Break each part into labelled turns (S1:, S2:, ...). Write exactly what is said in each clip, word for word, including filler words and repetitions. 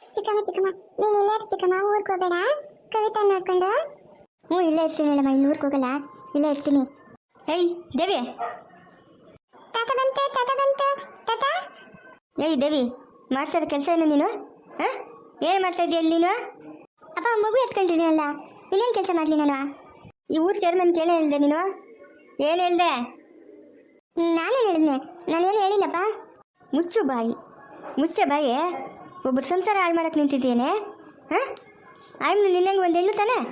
S1: ಚಿಕ್ಕಮ್ಮ ಚಿಕ್ಕಮ್ಮ ನೀನು ಇಲ್ಲೇ ಇರು ಚಿಕ್ಕಮ್ಮ, ಊರಿಗೆ ಹೋಗಬೇಡ, ಕವಿತಾ ನೋಡ್ಕೊಂಡು. ಹ್ಞೂ ಇಲ್ಲೇ ಇರ್ತೀನಿ ಹೇಳಮ್ಮ, ಇನ್ನು ಊರಿಗೆ ಹೋಗಲ್ಲ, ಇಲ್ಲೇ ಇರ್ತೀನಿ.
S2: ಏಯ್ ದೇವಿ,
S1: ತಾತ ಬಂತೆ ತಾತ ಬಂತು ತಾತ.
S2: ಏಯ್ ದೇವಿ, ಮಾಡ್ಸೋರ ಕೆಲಸ ಏನು ನೀನು? ಹಾಂ, ಏನು ಮಾಡ್ತಾ ಇದೀಯ ಅಲ್ಲಿ ನೀನು?
S1: ಅಪ್ಪ ಮಗು ಎತ್ಕೊಂಡಿದ್ದೀನಲ್ಲ, ಇನ್ನೇನು ಕೆಲಸ ಮಾಡಲಿ ನಾನು?
S2: ಈ ಊರು ಚೇರ್ಮನ್ ಕೇಳೇ ಹೇಳ್ದೆ ನೀನು? ಏನು ಹೇಳ್ದೆ?
S1: ನಾನೇನು ಹೇಳಿದ್ನೆ? ನಾನೇನು ಹೇಳಿಲ್ಲಪ್ಪ.
S2: ಮುಚ್ಚು ಬಾಯಿ, ಮುಚ್ಚೆ ಬಾಯಿ. ಒಬ್ಬರು ಸಂಸಾರ ಹಾಳು ಮಾಡಕ್ಕೆ ನಿಂತಿದ್ದೇನೆ. ಹಾಂ, ಆಯ್ತು ನಿನ್ನಂಗೆ ಒಂದು ಹೆಣ್ಣು ತಾನೆ?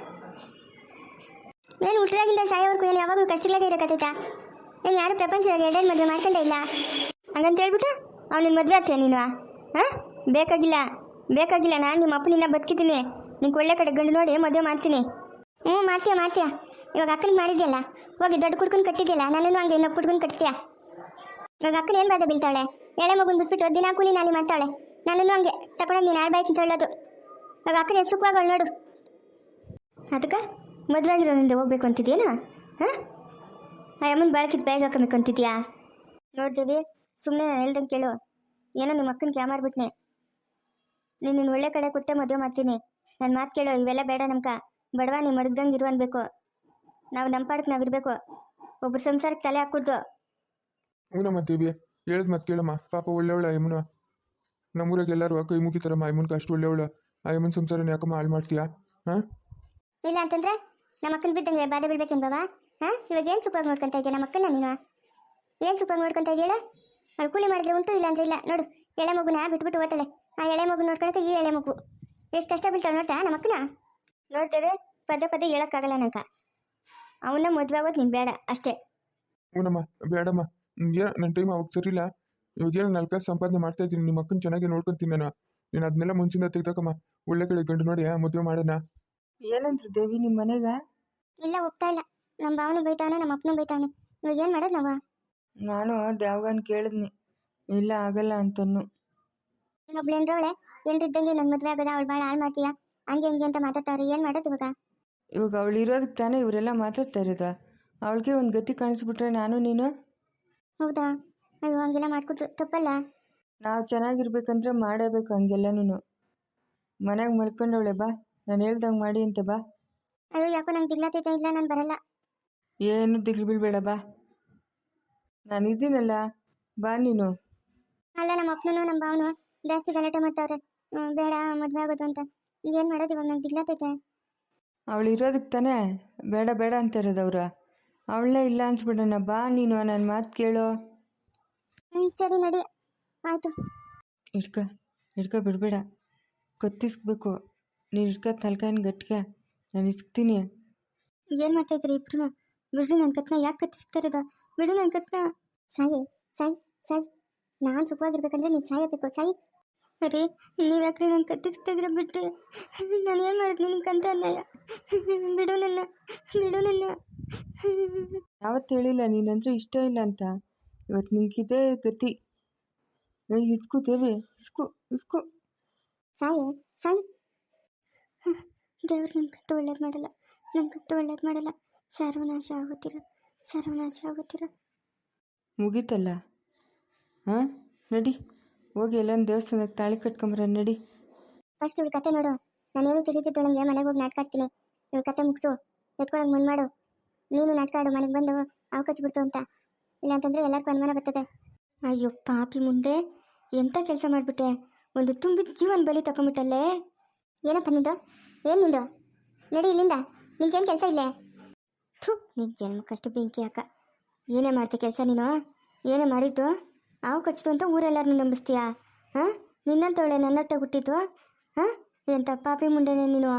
S1: ಏನು ಹುಟ್ಟಿದಾಗಿಂದ ಸಾಯೋವರೆಗೂ ಏನು ಯಾವಾಗಲೂ ಕಷ್ಟಗಳಾಗೆ ಇರೋಕತ್ತೈತಾ? ಏನು ಯಾರು ಪ್ರಪಂಚದಾಗ ಎರಡೆರಡು ಮದುವೆ ಮಾಡ್ಕೊಂಡೇ ಇಲ್ಲ.
S2: ಹಂಗಂತ ಹೇಳ್ಬಿಟ್ಟು ಅವ್ನಿನ ಮದುವೆ ಆಗ್ತೀಯ ನೀನು? ಹಾಂ, ಬೇಕಾಗಿಲ್ಲ ಬೇಕಾಗಿಲ್ಲ, ನಾನು ನಿಮ್ಮ ಅಪ್ಪನಿನ್ನ ಬದುಕಿದ್ದೀನಿ. ನಿಂಗೆ ಒಳ್ಳೆ ಕಡೆ ಗಂಡು ನೋಡಿ ಮದುವೆ ಮಾಡ್ತೀನಿ.
S1: ಹ್ಞೂ ಮಾಡ್ತೀಯ ಮಾಡ್ತೀಯ. ಇವಾಗ ಅಕ್ಕನಿಗೆ ಮಾಡಿದ್ಯಲ್ಲ, ಹೋಗಿ ದೊಡ್ಡ ಕುಡ್ಕೊಂಡು ಕಟ್ಟಿದ್ಯಲ್ಲ, ನನ್ನನ್ನು ಹಂಗೆ ಇನ್ನೊಬ್ಬ ಕುಡ್ಕೊಂಡು ಕಟ್ತೀಯ. ಇವಾಗ ಅಕ್ಕನ ಏನು ಬಾಧ ಬೀಳ್ತಾಳೆ? ಎಳೆ ಮಗುನ ಬಿಟ್ಬಿಟ್ಟು ದಿನ ಕೂಲಿ ನಾಲಿ ಮಾಡ್ತಾಳೆ. ನನ್ನನ್ನು ಹಂಗೆ ತಗೊಂಡೋಗಿ ನೀನು ಆಳ್ಬಾಯ್ತು ಅಂತ ಹೇಳೋದು. ಇವಾಗ ಅಕ್ಕನ ಎಷ್ಟು ಸುಖವಾಗಳು ನೋಡು.
S2: ಅದಕ್ಕೆ ಮದುವೆ ಆಗಿರೋನಿಂದ ಹೋಗ್ಬೇಕು ಅಂತಿದ್ಯೇನು? ಹಾಂ, ಆ ಅಮ್ಮನ ಬಾಳಕಿದ್ದು ಬ್ಯಾಗ್ ಹಾಕಬೇಕು ಅಂತಿದ್ಯಾ? ನೋಡ್ತೀವಿ, ಸುಮ್ಮನೆ ನಾನು ಹೇಳ್ದಂಗೆ ಕೇಳು. ಏನೋ ನಿಮ್ಮ ಅಕ್ಕನ ಕ್ಯಾಮಾರ್ಬಿಟ್ನೆ. ನೀನು ನಿನ್ನ ಒಳ್ಳೆ ಕಡೆ ಕೊಟ್ಟೆ ಮದುವೆ ಮಾಡ್ತೀನಿ. ನನ್ನ ಮಾತು ಕೇಳು, ಇವೆಲ್ಲ ಬೇಡ. ನಮ್ಕ ಬಡವ ನೀ ಮಡಗ್ದಂಗೆ ಇರು ಅನ್ಬೇಕು. ನಾವು ನಮ್ಮ ಪಾಡಕ್ಕೆ ನಾವು ಇರಬೇಕು. ಒಬ್ರು ಸಂಸಾರಕ್ಕೆ ತಲೆ ಹಾಕ್ಕೊಡ್ದು.
S3: ಹ್ಞೂನಮ್ಮ ದೇವಿ, ಹೇಳಿದ್ ಮತ್ತೆ ಕೇಳಮ್ಮ. ಪಾಪ ಒಳ್ಳೆವಳ ಯಮುನ. ನಮ್ಮೂರಾಗ ಎಲ್ಲರೂ ಕೈ ಮುಗಿತಾರಮ್ಮ, ಅಯ್ಯಮ್ಮನ್ಗೆ ಅಷ್ಟು ಒಳ್ಳೆವಳ. ಆ ಯಮನ್ ಸಂಸಾರನ ಯಾಕಮ್ಮ ಹಾಳು ಮಾಡ್ತೀಯಾ? ಹಾಂ,
S1: ಇಲ್ಲ ಅಂತಂದ್ರೆ ನಮ್ಮ ಅಕ್ಕನ ಬಿದ್ದಂಗೆ ಬಾಧೆ ಬೀಳ್ಬೇಕೇನು ಬಾಬಾ? ಹಾಂ, ಇವಾಗ ಏನು ಸುಖವಾಗಿ ನೋಡ್ಕೊತಾ ಇದೆಯಾ ನಮ್ಮ ಅಕ್ಕನ ನೀನು? ಏನು ಸುಖವಾಗಿ ನೋಡ್ಕೊತಾ ಇದೆಯಲ್ಲ? ಅವಳು ಕೂಲಿ ಮಾಡಿದ್ರೆ ಉಂಟು, ಇಲ್ಲ ಅಂದ್ರೆ ಇಲ್ಲ. ನೋಡು, ಎಳೆ ಮಗುನ ಬಿಟ್ಬಿಟ್ಟು ಓದ್ತಾಳೆ. ಆ ಎಳೆ ಮಗು ನೋಡ್ಕೊಳಕ್ಕೆ ಈ ಎಳೆ ಮಗು ಎಷ್ಟು ಕಷ್ಟ ಬೀಳ್ತಾಳೆ ನೋಡ್ತಾ ನಮ್ಮ ಅಕ್ಕನ.
S2: ನೋಡ್ತೇವೆ, ಪದೇ ಪದೇ ಹೇಳೋಕ್ಕಾಗಲ್ಲ ನಂಗೆ. ಅವನ್ನ ಮದುವೆ ಆಗೋದು ನೀನು ಬೇಡ ಅಷ್ಟೇ.
S3: ಹ್ಞೂನಮ್ಮ ಬೇಡಮ್ಮ. ಏನು ನನ್ನ ಟೈಮ್ ಅವಾಗ ಸರಿಯಿಲ್ಲ. ಇವಾಗ ಏನೋ ನಾಲ್ಕು ಕಾಸು ಸಂಪಾದನೆ ಮಾಡ್ತಾ ಇದ್ದೀನಿ, ನಿಮ್ಮ ಅಕ್ಕನ ಚೆನ್ನಾಗಿ ನೋಡ್ಕೊತೀನಿ ನಾನು. ನೀನು ಅದನ್ನೆಲ್ಲ ಮುಂಚಿಂದ ತೆಗ್ದಕ್ಕಮ್ಮ. ಒಳ್ಳೆ ಕಡೆ ಗಂಡು ನೋಡಿ ಮದುವೆ ಮಾಡೋಣ.
S4: ಏನಂದ್ರು ದೇವಿ ನಿಮ್ಮ ಮನೆಗ?
S1: ಇಲ್ಲ ಒಪ್ತಾ ಇಲ್ಲ. ನಮ್ಮ ಭಾವನು ಬೈತಾವನೆ, ನಮ್ಮ ಅಪ್ಪನೂ ಬೈತಾವನೆ. ಇವಾಗ ಏನು ಮಾಡೋದು ನಾವು?
S4: ನಾನು ದ್ಯಾವ್ಗನ್ ಕೇಳಿದ್ನಿ, ಇಲ್ಲ ಆಗಲ್ಲ ಅಂತನ್ನು.
S1: ಇನ್ನೊಬ್ಳು ಏನ್ರವಳೆ ಏನ್ರಿದ್ದಂಗೆ ನನ್ನ ಮದುವೆ ಆಗೋದ, ಅವಳು ಭಾಳ ಹಾಳು ಮಾಡ್ತೀಯಾ ಹಂಗೆ ಹಂಗೆ ಅಂತ ಮಾತಾಡ್ತಾವ್ರೆ. ಏನು ಮಾಡೋದು ಇವಾಗ?
S4: ಇವಾಗ ಅವಳು ಇರೋದಕ್ಕೆ ತಾನೇ ಇವರೆಲ್ಲ ಮಾತಾಡ್ತಾ ಇರೋದು. ಅವಳಿಗೆ ಒಂದು ಗತಿ ಕಾಣಿಸ್ಬಿಟ್ರೆ ನಾನು ನೀನು?
S1: ಹೌದಾ? ಅಯ್ಯೋ ಹಂಗೆಲ್ಲ ಮಾಡ್ಕೊಟ್ಟು ತಪ್ಪಲ್ಲ.
S4: ನಾವು ಚೆನ್ನಾಗಿರ್ಬೇಕಂದ್ರೆ ಮಾಡೇಬೇಕು ಹಂಗೆಲ್ಲನೂ. ಮನೆಗೆ ಮಲ್ಕೊಂಡವಳೆ, ಬಾ ನಾನು ಹೇಳ್ದಂಗೆ ಮಾಡಿ ಅಂತೆ ಬಾ.
S1: ಅಯ್ಯೋ ಯಾಕೋ ನಂಗೆ ದಿಗ್ಲಾತೈತೆ, ಇಲ್ಲ ನಾನು ಬರಲ್ಲ.
S4: ಏನು ದಿಗ್ಲು ಬೀಳ್ಬೇಡ, ಬಾ ನಾನು ಇದ್ದೀನಲ್ಲ, ಬಾ ನೀನು.
S1: ಅಲ್ಲ ನಮ್ಮ ಅಪ್ಪನೂ ನಮ್ಮ ಭಾವನು ಜಾಸ್ತಿ ಗಲಾಟೆ ಮಾಡ್ತಾವ್ರೆ, ಬೇಡ ಮದುವೆ ಆಗೋದು ಅಂತ. ಏನು ಮಾಡೋದು ಇವಾಗ? ನಂಗೆ ದಿಗ್ಲಾತೈತೆ.
S4: ಅವಳು ಇರೋದಕ್ಕೆ ತಾನೇ ಬೇಡ ಬೇಡ ಅಂತ ಇರೋದವ್ರು. ಅವಳನ್ನೇ ಇಲ್ಲ ಅನ್ಸ್ಬಿಡೋಣ, ಬಾ ನೀನು, ನನ್ನ ಮಾತು ಕೇಳೋ.
S1: ಹ್ಞೂ ಸರಿ ನಡಿ, ಆಯಿತು.
S4: ಹಿಡ್ಕ ಹಿಡ್ಕ ಬಿಡಬೇಡ, ಕತ್ತಿಸ್ಬೇಕು ನೀನು. ಹಿಡ್ಕ ತಲ್ಕಾಯಿನ ಗಟ್ಟಿಗೆ ನಾನು ಇಸ್ಕ್ತೀನಿ.
S1: ಏನು ಮಾಡ್ತಾಯಿದ್ರಿ ಇಬ್ರು? ಬಿಡ್ರಿ ನನ್ನ ಕತ್ನ, ಯಾಕೆ ಕತ್ತಿಸ್ತಾ ಇರೋದು? ಬಿಡು ನನ್ನ ಕತ್ನ. ಸಾಯಿ ಸಾಯಿ ಸಾಯಿ, ನಾನು ಸುಖವಾಗಿರ್ಬೇಕಂದ್ರೆ ನೀನು ಸಾಯಬೇಕು. ಸಾಯಿ. ಅರೆ ನೀವು ಯಾಕ್ರಿ ನಾನು ಕತ್ತಿಸ್ತಾ ಇದ್ರೆ ಬಿಡ್ರಿ. ನಾನು ಏನು ಮಾಡಿದ್ನಿ ನಿನ್ಕಂತ ಅನ್ಯಾಯ? ಬಿಡು ನನ್ನ, ಬಿಡು ನನ್ನ.
S4: ಯಾವತ್ತು ಹೇಳಿಲ್ಲ ನೀನಂದ್ರೆ ಇಷ್ಟ ಇಲ್ಲ ಅಂತ. ಇವತ್ತು ನಿನ್ಗಿದೆ ಗತಿ. ಏ ಇಸ್ಕು ದೇವಿ, ಇಸ್ಕು ಇಸ್ಕು.
S1: ಸಾಯಿ ಸಾಯಿ. ದೇವ್ರು ನನ್ನ ಕತ್ತು ಒಳ್ಳೇದು ಮಾಡಲ್ಲ, ನನ್ನ ಕತ್ತು ಒಳ್ಳೇದು ಮಾಡಲ್ಲ. ಸರ್ವನಾಶ ಆಗುತ್ತೀರ, ಸರ್ವನಾಶ ಆಗುತ್ತೀರ.
S4: ಮುಗೀತಲ್ಲ. ಹಾಂ ನಡಿ, ಹೋಗಿ ಎಲ್ಲನ ದೇವಸ್ಥಾನಕ್ಕೆ ತಾಳಿ ಕಟ್ಕೊಂಬರ ನಡಿ.
S1: ಫಸ್ಟ್ ಇವಳು ಕತೆ ನೋಡು. ನಾನೇನು ತಿಳಿದಿದ್ದೊಳಗೆ ಮನೆಗೆ ಹೋಗಿ ನಾಟಕ ಆಡ್ತೀನಿ. ಇವಳು ಕತೆ ಮುಗಿಸು, ಎತ್ಕೊಳಗೆ ಮುಂದೆ ಮಾಡು. ನೀನು ನಾಟಕ ಆಡು, ಮನೆಗೆ ಬಂದು ಅವಕಾಶ ಬಿಡ್ತು ಅಂತ. ಇಲ್ಲಾಂತಂದರೆ ಎಲ್ಲರಿಗೂ ಅನುಮಾನ ಬರ್ತದೆ.
S2: ಅಯ್ಯೋ ಪಾಪಿ ಮುಂದೆ, ಎಂಥ ಕೆಲಸ ಮಾಡಿಬಿಟ್ಟೆ. ಒಂದು ತುಂಬಿದ ಜೀವನ ಬಲಿ ತಗೊಂಬಿಟ್ಟಲ್ಲೇ.
S1: ಏನಪ್ಪ ನಿಂದು? ಏನು ನಿಂದು? ನಡಿ ಇಲ್ಲಿಂದ, ನಿನ್ಗೇನು ಕೆಲಸ ಇಲ್ಲೇ?
S2: ಥೂ, ನಿನ್ನ ಜನ್ಮಕ್ಕಷ್ಟು ಬೆಂಕಿ ಹಾಕ. ಏನೇ ಮಾಡ್ತೆ ಕೆಲಸ ನೀನು? ಏನೇ ಮಾಡಿದ್ದು? ಹಾವು ಕಚ್ಚಿತು ಅಂತ ಊರೆಲ್ಲರನ್ನೂ ನಂಬಿಸ್ತೀಯಾ? ಹಾಂ, ನಿನ್ನಂತವಳೆ ನನ್ನೊಟ್ಟೆ ಹುಟ್ಟಿದ್ದು? ಹಾಂ, ಎಂಥ ಪಾಪಿ ಮುಂಡೆನೆ ನೀನು.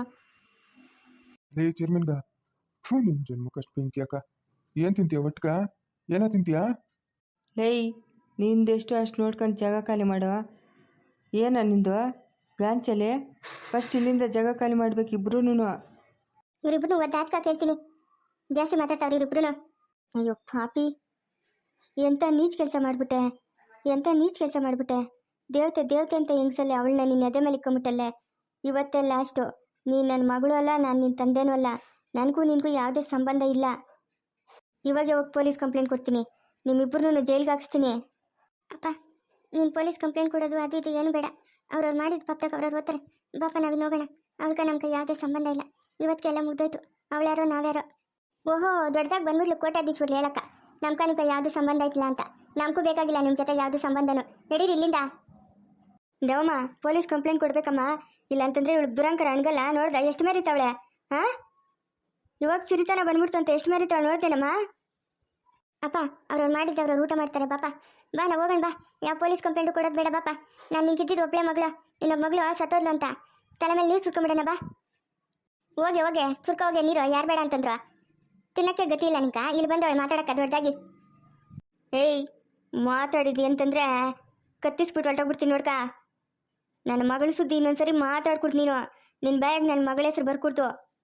S3: ಲೇ ಚೇರ್ಮನ್ಗ, ಥೂ ನಿನ್ನ ಜನ್ಮಕ್ಕಷ್ಟು ಬೆಂಕಿ ಅಕ್ಕ. ಏನು ತಿಂತೀಯ ಒಟ್ಕ? ಏನೋ ತಿಂತೀಯಾ?
S4: ಲೇಯ್, ನಿಂದೆಷ್ಟು ಅಷ್ಟು ನೋಡ್ಕೊಂಡು ಜಾಗ ಖಾಲಿ ಮಾಡೋ. ಏನ ನಿಂದು ಗಾಂಚಲೆ? ಫಸ್ಟ್ ಇಲ್ಲಿಂದ ಜಾಗ ಖಾಲಿ ಮಾಡ್ಬೇಕು ಇಬ್ರು.
S1: ಇವರಿಬ್ರು ಒದ್ದು ಹಾಚ್ಕ ಕೇಳ್ತೀನಿ. ಜಾಸ್ತಿ ಮಾತಾಡ್ತಾವ್ರಿ ಇವರಿಬ್ರು.
S2: ಅಯ್ಯೋ ಪಾಪಿ, ಎಂಥ ನೀಚ್ ಕೆಲಸ ಮಾಡಿಬಿಟ್ಟೆ, ಎಂಥ ನೀಚ್ ಕೆಲಸ ಮಾಡಿಬಿಟ್ಟೆ. ದೇವತೆ ದೇವತೆ ಅಂತ ಹೆಂಗ್ಸಲ್ಲೇ ಅವಳನ್ನ ನಿನ್ನ ಎದೆ ಮೇಲೆ ಇಕ್ಕೊಂಬಿಟ್ಟಲ್ಲೇ. ಇವತ್ತೇ ಲಾಸ್ಟು. ನೀನು ನನ್ನ ಮಗಳು ಅಲ್ಲ, ನಾನು ನಿನ್ನ ತಂದೆನೂ ಅಲ್ಲ. ನನಗೂ ನಿನಗೂ ಯಾವುದೇ ಸಂಬಂಧ ಇಲ್ಲ. ಇವಾಗೆ ಹೋಗಿ ಪೊಲೀಸ್ ಕಂಪ್ಲೇಂಟ್ ಕೊಡ್ತೀನಿ. ನಿಮ್ಮಿಬ್ಬರನ್ನೂ ಜೈಲಿಗೆ ಹಾಕಿಸ್ತೀನಿ.
S1: ಅಪ್ಪ, ನೀನು ಪೊಲೀಸ್ ಕಂಪ್ಲೇಂಟ್ ಕೊಡೋದು ಅದು ಇದು ಏನು ಬೇಡ. ಅವ್ರವ್ರು ಮಾಡಿದ ಪಾಪದಾಗ ಅವ್ರವ್ರು ಓದ್ತಾರೆ. ಬಾಪ ನಾವಿನ್ನು ಹೋಗೋಣ. ಅವಳ್ಗ ನಮ್ಮ ಕೈ ಯಾವುದೇ ಸಂಬಂಧ ಇಲ್ಲ. ಇವತ್ತಿಗೆಲ್ಲ ಮುಗ್ದೋಯ್ತು. ಅವಳ್ಯಾರೋ ನಾವ್ಯಾರೋ. ಓಹೋ, ದೊಡ್ಡದಾಗಿ ಬಂದ್ಬಿಡ್ಲು ಕೋಟ್ಯಾಧೀಶ್ವರ್ಲು ಹೇಳಕ್ಕ ನಮ್ಕ ನಿಮ್ಗೆ ಯಾವುದು ಸಂಬಂಧ ಐತಿಲ್ಲ ಅಂತ. ನಮಗೂ ಬೇಕಾಗಿಲ್ಲ ನಿಮ್ಮ ಜೊತೆ ಯಾವುದು ಸಂಬಂಧನೂ. ನಡೀರಿ ಇಲ್ಲಿಂದ.
S2: ದೇವಮ್ಮ ಪೊಲೀಸ್ ಕಂಪ್ಲೇಂಟ್ ಕೊಡ್ಬೇಕಮ್ಮ. ಇಲ್ಲ ಅಂತಂದ್ರೆ ಇವಳು ದುರಂಕರ ಅಣ್ಗಲ್ಲ. ನೋಡ್ದ ಎಷ್ಟು ಮೇರಿತಾವಳೆ? ಹಾ, ಇವಾಗ ಸಿರಿತಾನ ಬಂದ್ಬಿಡ್ತು ಅಂತ ಎಷ್ಟು ಮೇರಿತಾವಳೆ ನೋಡ್ತೇನಮ್ಮ.
S1: ಅಪ್ಪ ಅವ್ರವ್ರು ಮಾಡಿದ್ದೆ ಅವ್ರವ್ರು ಊಟ ಮಾಡ್ತಾರೆ. ಬಾಪ ಬಾ ನಾವು ಹೋಗೋಣ ಬಾ. ಯಾವ ಪೊಲೀಸ್ ಕಂಪ್ಲೇಂಟು ಕೊಡೋದು ಬೇಡ ಬಾಪ. ನಾನು ನಿಂಗಿದ್ದಿದ್ದು ಒಬ್ಬಳೆ ಮಗಳು, ಇನ್ನೊಬ್ಬ ಮಗಳು ಸತ್ತೋದ್ಲು ಅಂತ ತಲೆ ಮೇಲೆ ನೀರು ಸುರ್ಕೊಂಬಿಡೋಣ ಬಾ. ಹೋಗಿ ಹೋಗಿ ಸುರ್ಕ ಹೋಗಿ ನೀರು. ಯಾರು ಬೇಡ ಅಂತಂದ್ರು? ತಿನ್ನಕ್ಕೆ ಗತಿ ಇಲ್ಲ ನಿಂಕ. ಇಲ್ಲಿ ಬಂದವಳು ಮಾತಾಡಕ್ಕ ದೊಡ್ಡದಾಗಿ.
S2: ಏಯ್, ಮಾತಾಡಿದಿ ಅಂತಂದ್ರೆ ಕತ್ತಿಸ್ಬಿಟ್ಟು ಹೊರಟೋಗ್ಬಿಡ್ತೀನಿ ನೋಡ್ಕ. ನನ್ನ ಮಗಳ ಸುದ್ದಿ ಇನ್ನೊಂದ್ಸರಿ ಮಾತಾಡ್ಕೊಡ್ತು ನೀನು. ನಿನ್ನ ಬ್ಯಾಗ್ ನನ್ನ ಮಗಳ ಹೆಸರು ಬರ್ಕೊಡ್ತು.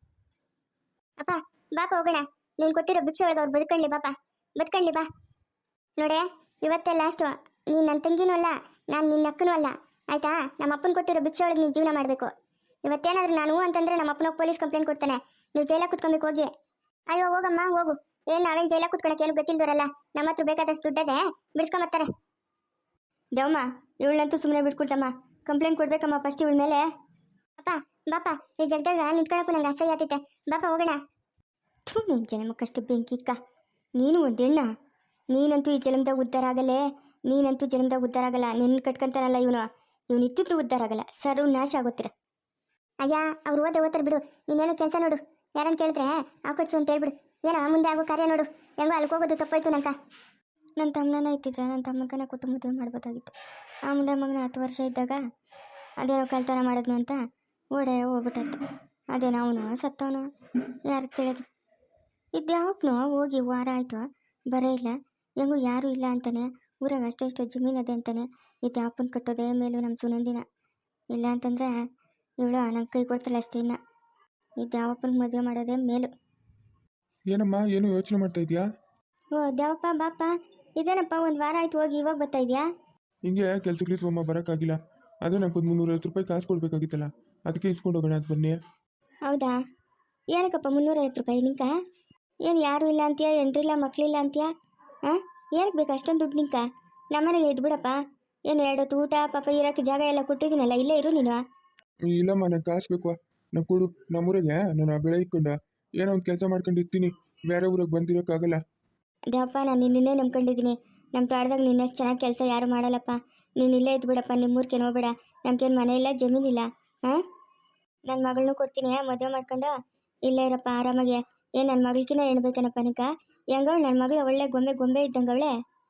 S1: ಅಪ್ಪ ಬಾಪ ಹೋಗೋಣ. ನೀನು ಕೊಟ್ಟಿರೋ ಭಿಕ್ಷೆ ಒಳಗೆ ಅವ್ರು ಬದುಕಣ್ಲಿ ಬಾಪ, ಬದುಕಣ್ಲಿ ಬಾ. ನೋಡೆ, ಇವತ್ತೇ ಲಾಸ್ಟು. ನೀನು ನನ್ನ ತಂಗಿನೂ ಅಲ್ಲ, ನಾನು ನಿನ್ನ ಅಕ್ಕನೂ ಅಲ್ಲ, ಆಯ್ತಾ? ನಮ್ಮ ಅಪ್ಪನ ಕೊಟ್ಟಿರೋ ಭಿಕ್ಷೆ ಒಳಗೆ ನೀನು ಜೀವನ ಮಾಡಬೇಕು. ಇವತ್ತೇನಾದ್ರೂ ನಾನು ಅಂತಂದ್ರೆ ನಮ್ಮ ಅಪ್ಪನ ಪೊಲೀಸ್ ಕಂಪ್ಲೇಂಟ್ ಕೊಡ್ತಾನೆ. ನೀವು ಜೈಲಾಗ ಕುತ್ಕೊಬೇಕು ಹೋಗಿ. ಅಯ್ಯೋ ಹೋಗಮ್ಮ ಹೋಗು. ಏನು ನಾವೇನು ಜೈಲಾಗ ಕುತ್ಕೊಳಕ್ಕೆ ಏನು ಗೊತ್ತಿಲ್ದವರಲ್ಲ. ನಮ್ಮ ಹತ್ರ ಬೇಕಾದಷ್ಟು ದುಡ್ಡದೆ, ಬಿಡಿಸ್ಕೊಂಬರ್ತಾರೆ.
S2: ದೇವಮ್ಮ ಇವಳನ್ನಂತೂ ಸುಮ್ಮನೆ ಬಿಟ್ಕೊಳ್ತಮ್ಮ. ಕಂಪ್ಲೇಂಟ್ ಕೊಡ್ಬೇಕಮ್ಮ ಫಸ್ಟ್ ಇವಳ ಮೇಲೆ.
S1: ಅಪ್ಪ ಬಾಪ, ಈ ಜಗದಾಗ ನಿಂತ್ಕೊಳಕ್ಕೂ ನಂಗೆ ಅಸಹ್ಯ ಆತೈತೆ. ಬಾಪ ಹೋಗೋಣ.
S2: ಥೂ, ನಿನ್ನ ಜನ್ಮಕ್ಕಷ್ಟು ಬೆಂಕಿಕ್ಕ. ನೀನು ಒಂದು ಹೆಣ್ಣ. ನೀನಂತೂ ಈ ಜನ್ಮದಾಗ ಉದ್ಧಾರ ಆಗಲ್ಲೇ. ನೀನಂತೂ ಜನ್ಮದಾಗ ಉದ್ಧಾರ ಆಗಲ್ಲ. ನಿನ್ನ ಕಟ್ಕೊಂತಾನಲ್ಲ ಇವನು, ಇವನು ಇತ್ತಿತ್ತು ಉದ್ಧಾರ ಆಗಲ್ಲ. ಸರ್ವ ನಾಶ ಆಗೋತ್ತಿರ.
S1: ಅಯ್ಯ ಅವ್ರು ಓದೇ ಓದ್ತಾರೆ ಬಿಡು. ನೀನೇನು ಕೆಲಸ ನೋಡು. ಯಾರನ್ನು ಕೇಳಿದ್ರೆ ಹಾಕೋಚು ಅಂತ ಹೇಳ್ಬಿಡು. ಏನೋ ಮುಂದೆ ಆಗೋ ಕಾರ್ಯ ನೋಡು. ಹೆಂಗೋ ಅಲ್ಲಿಗೆ ಹೋಗೋದು ತಪ್ಪಾಯ್ತು ನಂಕ.
S2: ನನ್ನ ತಮ್ಮನ ಇತ್ತಿದ್ರೆ ನನ್ನ ತಮ್ಮಗನ ಕೊಟ್ಟು ಮದುವೆ ಮಾಡ್ಬೋದಾಗಿತ್ತು. ಆ ಮುಂಡೆ ಮಗನ ಹತ್ತು ವರ್ಷ ಇದ್ದಾಗ ಅದೇನೋ ಕಳ್ತನ ಮಾಡಿದ್ನು ಅಂತ ಓಡೆ ಹೋಗ್ಬಿಟ್ಟತ್ತು. ಅದೇನೋ ಅವನು ಸತ್ತವನು, ಯಾರಿಗೆ ತಿಳಿಯೋದು? ಇದ್ಯಾವಪ್ಪನು ಹೋಗಿ ವಾರ ಆಯಿತು, ಬರೇ ಇಲ್ಲ. ಹೆಂಗೂ ಯಾರೂ ಇಲ್ಲ ಅಂತಾನೆ. ಊರಾಗ ಅಷ್ಟೇ ಇಷ್ಟು ಜಮೀನು ಅದೇ ಅಂತಾನೆ. ಇದ್ಯಾವಪ್ಪನ ಕಟ್ಟೋದೇ ಮೇಲೂ ನಮ್ಮ ಸುನಂದಿನ. ಇಲ್ಲ ಅಂತಂದರೆ ಇವಳು ನಂಗೆ ಕೈ ಕೊಡ್ತಾಳೆ ಅಷ್ಟೇ. ಇನ್ನು ಇದ್ಯಾವಪ್ಪನಿಗೆ ಮದುವೆ ಮಾಡೋದೇ ಮೇಲು.
S3: ಏನಮ್ಮ ಏನು ಯೋಚನೆ ಮಾಡ್ತಾ ಇದೆಯಾ?
S2: ಓ ದ್ಯಾವಪ್ಪ ಬಾಪ, ಇದೇನಪ್ಪ ಒಂದು ವಾರ ಆಯ್ತು ಹೋಗಿ ಇವಾಗ ಬರ್ತಾ ಇದೆಯಾ?
S3: ಹಿಂಗೆ ಕೆಲ್ಸಕ್ಕೆ ಅಮ್ಮ ಬರೋಕ್ಕಾಗಿಲ್ಲ. ಅದೇ ನಂಗೊಂದು ಮುನ್ನೂರೈವತ್ತು ರೂಪಾಯಿ ಕಾಸು ಕೊಡಬೇಕಾಗಿತ್ತಲ್ಲ, ಅದಕ್ಕೆ ಇಸ್ಕೊಂಡು ಹೋಗೋಣ ಅಂತ ಬನ್ನಿ.
S2: ಹೌದಾ? ಏನಕ್ಕಪ್ಪ ಮುನ್ನೂರೈವತ್ತು ರೂಪಾಯಿ ನಿಂಕ? ಏನು ಯಾರೂ ಇಲ್ಲ ಅಂತೀಯ, ಎಂಟ್ರಿಲ್ಲ ಮಕ್ಕಳಿಲ್ಲ ಅಂತೀಯ? ಹಾಂ, ಏನಕ್ಕೆ ಬೇಕು ಅಷ್ಟೊಂದು ದುಡ್ಡು ನಿಂಕ? ನಮ್ಮನೆಗೆ ಇದ್ಬಿಡಪ್ಪ. ಏನು ಎರಡು ಹೊತ್ತು ಊಟ ಪಾಪ ಇರೋಕ್ಕೆ ಜಾಗ ಎಲ್ಲ ಕೊಟ್ಟಿದ್ದೀನಲ್ಲ, ಇಲ್ಲೇ ಇರು ನೀನು.
S3: ಇಲ್ಲಮ್ಮ, ನಂಗೆ ಕಾಸು ಬೇಕು. ನಂಗೆ ಕೊಡು. ನಮ್ಮೂರಿಗೆ ನಾನು ಬೆಳೆ ಇಕ್ಕೊಂಡು ಏನೋ ಒಂದು ಕೆಲಸ ಮಾಡ್ಕೊಂಡು ಇರ್ತೀನಿ. ಬೇರೆ ಊರಿಗೆ ಬಂದಿರೋಕ್ಕಾಗಲ್ಲ.
S2: ದೇವಪ್ಪ, ನಾನು ನಿನ್ನೇ ನಂಬ್ಕೊಂಡಿದ್ದೀನಿ. ನಮ್ಮ ತೋಟದಾಗ ನಿನ್ನಷ್ಟು ಚೆನ್ನಾಗಿ ಕೆಲಸ ಯಾರು ಮಾಡಲ್ಲಪ್ಪ. ನೀನು ಇಲ್ಲೇ ಇದ್ಬಿಡಪ್ಪ. ನಿಮ್ಮೂರ್ಗೆ ಹೋಗ್ಬೇಡ. ನಮ್ಗೇನು ಮನೆ ಇಲ್ಲ, ಜಮೀನಿಲ್ಲ. ಹಾಂ, ನನ್ನ ಮಗಳನ್ನೂ ಕೊಡ್ತೀನಿ, ಮದುವೆ ಮಾಡ್ಕೊಂಡು ಇಲ್ಲೇ ಇರಪ್ಪ ಆರಾಮಾಗಿ. ಏನು ನನ್ನ ಮಗಳ್ಕಿನ್ನ ಎಣ್ಬೇಕೇನಪ್ಪ ನಿಕ? ಹೆಂಗವಳು ನನ್ನ ಮಗಳು? ಒಳ್ಳೆ ಗೊಂಬೆ ಗೊಂಬೆ ಇದ್ದಂಗೆ ಅವಳೆ.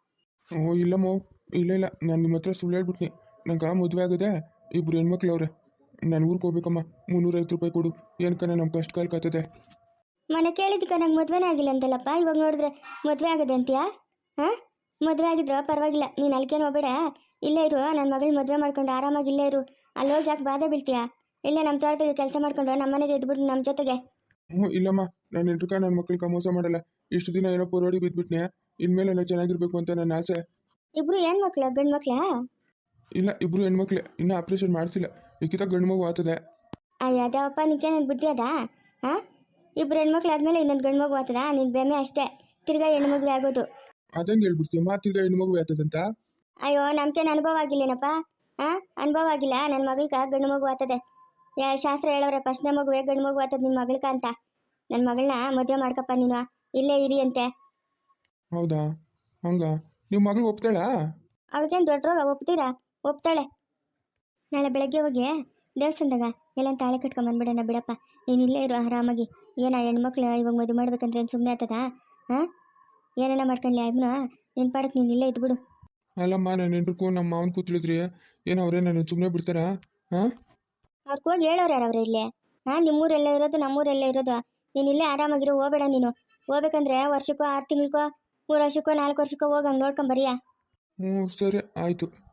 S3: ಓ ಇಲ್ಲಮ್ಮ, ಇಲ್ಲ ಇಲ್ಲ, ನಾನು ನಿಮ್ಮ ಹತ್ರ ಸುಳ್ಳು ಹೇಳ್ಬಿಟ್ನಿ. ನಂಗೆ ಮದುವೆ ಆಗೋದೆ ಇಬ್ರು ಹೆಣ್ಮಕ್ಳು ಅವ್ರೆ. ನಾನು ಊರಿಗೆ ಹೋಗ್ಬೇಕಮ್ಮ. ಮುನ್ನೂರೈವತ್ತು ರೂಪಾಯಿ ಕೊಡು. ಏನಕ್ಕನ ನಮ್ಮ ಕಷ್ಟ ಕಾಲ ಕಾತದೆ.
S2: ಮನೆ ಕೇಳಿದ್ದಕ್ಕೆ ನಂಗೆ ಮದುವೆನೇ ಆಗಿಲ್ಲ ಅಂತಲ್ಲಪ್ಪ. ಇವಾಗ ನೋಡಿದ್ರೆ ಮದುವೆ ಆಗದೆ ಅಂತೀಯಾ? ಹಾಂ, ಮದುವೆ ಆಗಿದ್ರು ಪರವಾಗಿಲ್ಲ, ನೀನು ಅಲ್ಕೇನು ಹೋಗ್ಬೇಡ. ಇಲ್ಲೇ ಇರು. ನನ್ನ ಮಗಳು ಮದುವೆ ಮಾಡ್ಕೊಂಡು ಆರಾಮಾಗಿ ಇಲ್ಲೇ ಇರು. ಅಲ್ಲಿ ಹೋಗಿ ಯಾಕೆ ಬಾಧೆ ಬೀಳ್ತೀಯಾ? ಇಲ್ಲೇ ನಮ್ಮ ತೋಟದಾಗೆ ಕೆಲಸ ಮಾಡ್ಕೊಂಡು ನಮ್ಮ ಮನೆಗೆ ಇದ್ಬಿಟ್ಟು ನಮ್ಮ ಜೊತೆಗೆ.
S3: ಹ್ಞೂ ಇಲ್ಲಮ್ಮ, ನಾನು ಎಲ್ರಿಕ ನನ್ನ ಮಕ್ಳಿಗೆ ಮೋಸ ಮಾಡಲ್ಲ. ಇಷ್ಟು ದಿನ ಏನೋ ಪೋರಾಡಿ ಬಿದ್ದುಬಿಟ್ನೆ. ಇನ್ಮೇಲೆ ಎಲ್ಲ ಚೆನ್ನಾಗಿರ್ಬೇಕು ಅಂತ ನನ್ನ ಆಸೆ.
S2: ಇಬ್ರು ಏನು ಮಕ್ಳು? ಗಂಡು ಮಕ್ಳಾ?
S3: ಇಲ್ಲ, ಇಬ್ರು ಹೆಣ್ಮಕ್ಳೆ. ಇನ್ನೂ ಆಪ್ರೇಷನ್ ಮಾಡಿಸಿಲ್ಲ. ಈಗಿತ ಗಂಡು ಮಗು ಆಗ್ತದೆ.
S2: ಅಯ್ಯ ಅದೇವಪ್ಪ, ನಿಂಗೇನು ಬುದ್ಧಿ ಅದಾ? ಹಾಂ, ಇಬ್ರು ಹೆಣ್ಮಕ್ಳು ಆದಮೇಲೆ ಇನ್ನೊಂದು ಗಂಡು ಮಗು ಆಗ್ತದ? ನಿನ್ನ ಬೆಮ್ಮೆ ಅಷ್ಟೇ. ತಿರ್ಗಾ ಹೆಣ್ಣು ಮಗುವೆ ಆಗೋದು.
S3: ಅದಂಗೆ ಹೇಳ್ಬಿಡ್ತೀಯಮ್ಮ, ತಿರ್ಗಾ ಹೆಣ್ಣು ಮಗು ಆಗ್ತದಂತ?
S2: ಅಯ್ಯೋ, ನಮ್ಗೇನು ಅನುಭವ ಆಗಿಲ್ಲೇನಪ್ಪ. ಹಾಂ, ಅನುಭವ ಆಗಿಲ್ಲ. ನನ್ನ ಮಗಳ್ಕ ಗಂಡು ಮಗು ಆಗ್ತದೆ. ಯಾ ಶಾಸ್ತ್ರ ಹೇಳೋರೆ ಫಸ್ಟ್ನೇ ಮಗುವೆ ಗಂಡು ಮಗು ಆಗ್ತದೆ ನಿನ್ನ ಮಗಳ್ಕ ಅಂತ. ನನ್ನ ಮಗಳನ್ನ ಮದುವೆ ಮಾಡ್ಕಪ್ಪ ನೀನು. ಇಲ್ಲೇ ಇರಿ ಅಂತೆ.
S3: ಹೌದಾ? ಹಂಗ ನಿಮ್ಮ ಮಗಳು ಒಪ್ತಾಳಾ?
S2: ಅವಳಿಗೇನು ದೊಡ್ಡ ರೋಗ? ಒಪ್ತೀರಾ? ಒಪ್ತಾಳೆ. ನಾಳೆ ಬೆಳಗ್ಗೆ ಹೋಗಿ ದೇವಸ್ಥಾನದಾಗ ಎಲ್ಲ ತಾಳೆ ಕಟ್ಕೊಂಬಂದ್ಬಿಡೋಣ ಬಿಡಪ್ಪ. ನೀನು ಇಲ್ಲೇ ಇರು ಆರಾಮಾಗಿ. ಏನ ಹೆಣ್ಮಕ್ಳು ಇವಾಗ ಮದುವೆ ಮಾಡ್ಬೇಕಂದ್ರೆ ಏನು ಸುಮ್ಮನೆ ಆಗ್ತದಾ? ಹಾಂ, ಏನೇನ ಮಾಡ್ಕೊಳ್ಳಿ ಅಯ್ಯಮ್ಮನ. ನಿನ್ನ ಪಾಡಕ್ಕೆ ನೀನು ಇಲ್ಲೇ ಇದ್ಬಿಡು.
S3: ಅಲ್ಲಮ್ಮ, ನನ್ನ ಹೆಂಡ್ರಿಗೂ ನಮ್ಮ ಮಾವನ ಕೂತ್ಳಿದ್ರಿ ಏನು ಅವರೇ ನಾನು ಸುಮ್ಮನೆ ಬಿಡ್ತಾರಾ? ಹಾಂ,
S2: ಅವ್ರಿಗೆ ಹೋಗಿ ಹೇಳೋರು ಯಾರು ಅವ್ರೆ ಇಲ್ಲೇ? ಹಾಂ, ನಿಮ್ಮೂರೆಲ್ಲ ಇರೋದು, ನಮ್ಮೂರೆಲ್ಲ ಇರೋದು. ನೀನು ಇಲ್ಲೇ ಆರಾಮಾಗಿರೋ. ಹೋಗಬೇಡ ನೀನು. ಹೋಗ್ಬೇಕಂದ್ರೆ ವರ್ಷಕ್ಕೋ ಆರು ತಿಂಗಳಿಗೋ ಮೂರು ವರ್ಷಕ್ಕೋ ನಾಲ್ಕು ವರ್ಷಕ್ಕೋ ಹೋಗಂಗೆ ನೋಡ್ಕೊಂಬರಿಯಾ.
S3: ಹ್ಞೂ ಸರಿ ಆಯಿತು.